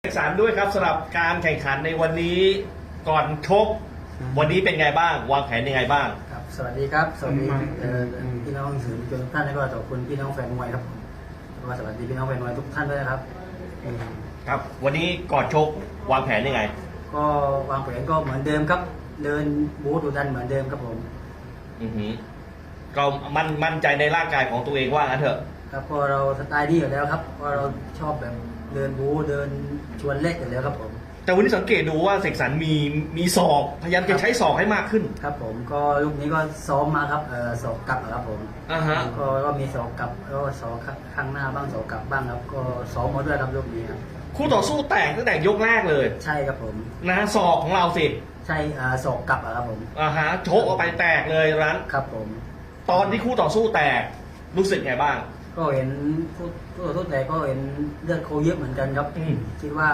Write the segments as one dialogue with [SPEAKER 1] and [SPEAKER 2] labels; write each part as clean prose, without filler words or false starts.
[SPEAKER 1] สารด้วยครับสำหรับการแข่งขันในวันนี้ก่อนชกวันนี้เป็นไงบ้างวางแผนยังไงบ้าง
[SPEAKER 2] ครับสวัสดีครับสวัสดีพี่น้องสื่อมวลชนทุกท่านและก็ขอบคุณพี่น้องแฟนมวยครับแล้วก็สวัสดีพี่น้องแฟนมวยทุกท่านด้วยนะครับ
[SPEAKER 1] ครับวันนี้ก่อนชกวางแผนยังไง
[SPEAKER 2] ก็วางแผนก็เหมือนเดิมครับเดินบูธดูดันเหมือนเดิมครับผม
[SPEAKER 1] ก็มั่นใจในร่างกายของตัวเองว่างั้นเถอะ
[SPEAKER 2] ครับพอเราสไตล์นี้อยู่แล้วครับเพราะเราชอบแบบเดินบูธเดินชวนเล็กอยู่แล้วครับผม
[SPEAKER 1] แต่วันนี้สังเกตดูว่าเสกสรรมีศอกพยายามจะใช้ศอกให้มากขึ้น
[SPEAKER 2] ครับผมก็ลูกนี้ก็ซ้อมมาครับศอกกลับครับผมก็มีศอกกลับแล้วศอกข้างหน้าบ้างศอกกลับบ้างครับก็ซ้อมมาด้วยครับลูกนี้ครับ
[SPEAKER 1] คู่ต่อสู้แตกตั้งแต่ยกแรกเลย
[SPEAKER 2] ใช่ครับผม
[SPEAKER 1] นะศอกของเราสิ
[SPEAKER 2] ใช่ศอกกลับครับผม
[SPEAKER 1] โชกออกไปแตกเลยร้าน
[SPEAKER 2] ครับผม
[SPEAKER 1] ตอนที่คู่ต่อสู้แตกรู้สึกไงบ้าง
[SPEAKER 2] ก็เห็นคู่ต่อสู้แตกก็เห็นเลือดโคเยอะเหมือนกันครับคิดว่า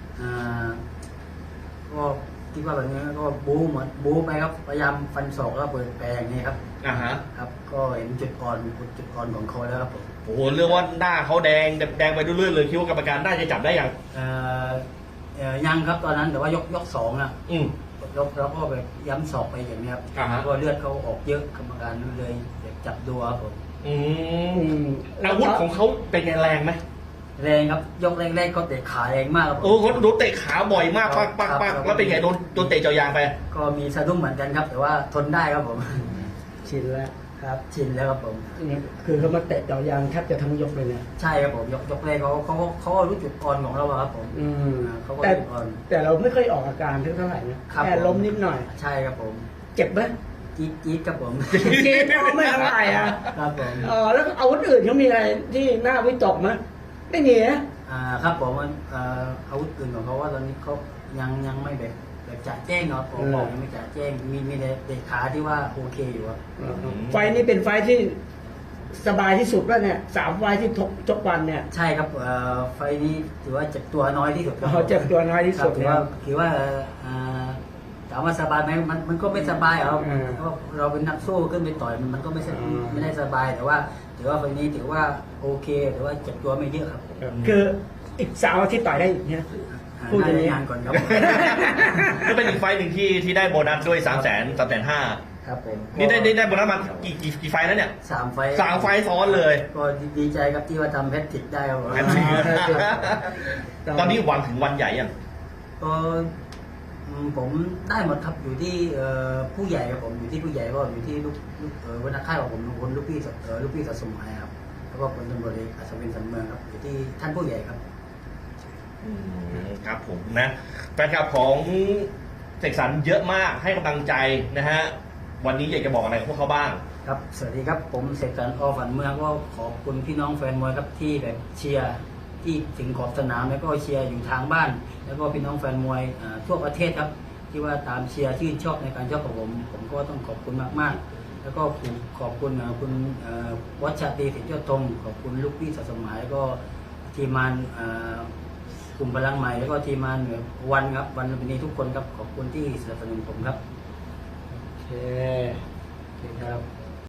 [SPEAKER 2] ก็คิดว่าแบบนี้ก็บู๊เหมือนบู๊ไปครับพยายามฟันศอกแล้วเปิดแปลงนี่ครับครับก็เห็นจุดอ่อนของเขาแล้วครับผม
[SPEAKER 1] โอ้โหเรื่องว่าหน้าเขาแดงไปเรื่อยๆเลยคิดว่ากรรมการได้จะจับได้ยัง
[SPEAKER 2] ยังครับตอนนั้นแต่ว่ายกสองอ่ะยกแล้วก็แบบย้ำศอกไปอย่างนี้ครับก็เลือดเขาออกเยอะกรรมการเลยจับดูครับผม
[SPEAKER 1] อาวุธของเขาเป็นไงแรงไหม
[SPEAKER 2] แรงครับยกแรกๆเขาเตะขาแรงมากครับ
[SPEAKER 1] เขาโดนเตะขาบ่อยมากปักแล้วเป็นไงโดนเตะเจาะยางไป
[SPEAKER 2] ก็มีสะดุ้งเหมือนกันครับแต่ว่าทนได้ครับผม
[SPEAKER 3] ชินแล้ว
[SPEAKER 2] ครับชินแล้วครับผม
[SPEAKER 3] คือเขามาเตะเจาะยางแทบจะทั้งยกเลยเนี่ย
[SPEAKER 2] ใช่ครับผมยกแรกเขารู้จุดอ่อนของเราครับผมเขาก็จุดอ่อน
[SPEAKER 3] แต่เราไม่ค่อยออกอาการเท่าไหร่นะแค่ล้มนิดหน่อย
[SPEAKER 2] ใช่ครับผม
[SPEAKER 3] เจ็บไหม
[SPEAKER 2] จี๊ดครับผม
[SPEAKER 3] จี๊ดไม่เท่าไหร่
[SPEAKER 2] ครับผม
[SPEAKER 3] แล้วอาวุธอื่นเขามีอะไรที่น่าวิตกไหมไม่มี
[SPEAKER 2] นะครับผมอาวุธอื่นของเขาว่าตอนนี้เขายังไม่แบบจ่าแจ้งเนาะผมบอกยังไม่จ่าแจ้งมีแต่เตะขาที่ว่าโอเคอยู่ครับ
[SPEAKER 3] ไฟนี้เป็นไฟที่สบายที่สุดแล้วเนี่ย3 ไฟที่ชกวันเนี่ย
[SPEAKER 2] ใช่ครับไฟนี้ถือว่าเจ็บตัวน้อยที่สุด
[SPEAKER 3] เจ็บตัวน้อยที่สุด
[SPEAKER 2] ถือว่าถามว่าสบายไหมมันก็ไม่สบายครับเพราะเราเป็นนักสู้ขึ้นไปต่อยมันก็ไม่ได้สบายแต่ว่าถือว่าไฟนี้ถือว่าโอเคแต่ว่าเจ็บตัวไม่เยอะครับ
[SPEAKER 3] คืออีก3 อาทิตย์ต่อยได้อีกเนี่ย
[SPEAKER 2] พูดอย่างนี้ก่อนครับ
[SPEAKER 1] ก็เป็นอีกไฟหนึ่งที่ได้โบนัสด้วย350,000
[SPEAKER 2] ครับผม
[SPEAKER 1] นี่ได้โบนัสมากี่ไฟแล้วเนี่ย
[SPEAKER 2] 3 ไฟ
[SPEAKER 1] ซ้อนเลย
[SPEAKER 2] ก็ดีใจครับที่ว่าทำแพทริกได้ครับ
[SPEAKER 1] ตอนนี้หวังถึงวันใหญ่ยัง
[SPEAKER 2] ก็ผมได้หมดครับอยู่ที่ผู้ใหญ่ครับผมอยู่ที่ผู้ใหญ่ก็อยู่ที่ลูกวันนักข่าวของผมคนลูกพี่สะสมหมายครับแล้วก็คนตำรวจเอกอัศวินสันเมืองครับอยู่ที่ท่านผู้ใหญ่ครับ
[SPEAKER 1] ครับผมนะแฟนคลับของเสกสรรเยอะมากให้กำลังใจนะฮะวันนี้อยากจะบอกอะไรพวกเขาบ้าง
[SPEAKER 2] ครับสวัสดีครับผมเสกสรร อ.ฝันเมืองก็ขอบคุณพี่น้องแฟนมวยครับที่แบบเชียร์ที่ถึงขอบสนามแล้วก็เชียร์อยู่ทางบ้านแล้วก็พี่น้องแฟนมวยทั่วประเทศครับที่ว่าตามเชียร์ชื่นชอบในการชกของผมก็ต้องขอบคุณมากๆแล้วก็ขอบคุณคุณวัชรีสิทธิ์ยอดธงขอบคุณลูกพี่สะสมหมายแล้วก็ทีมงานกลุ่มพลังใหม่แล้วก็ทีมงานวันครับวันนี้ทุกคนครับขอบคุณที่สนับสนุนผมครับ
[SPEAKER 3] โอเค
[SPEAKER 2] ครับ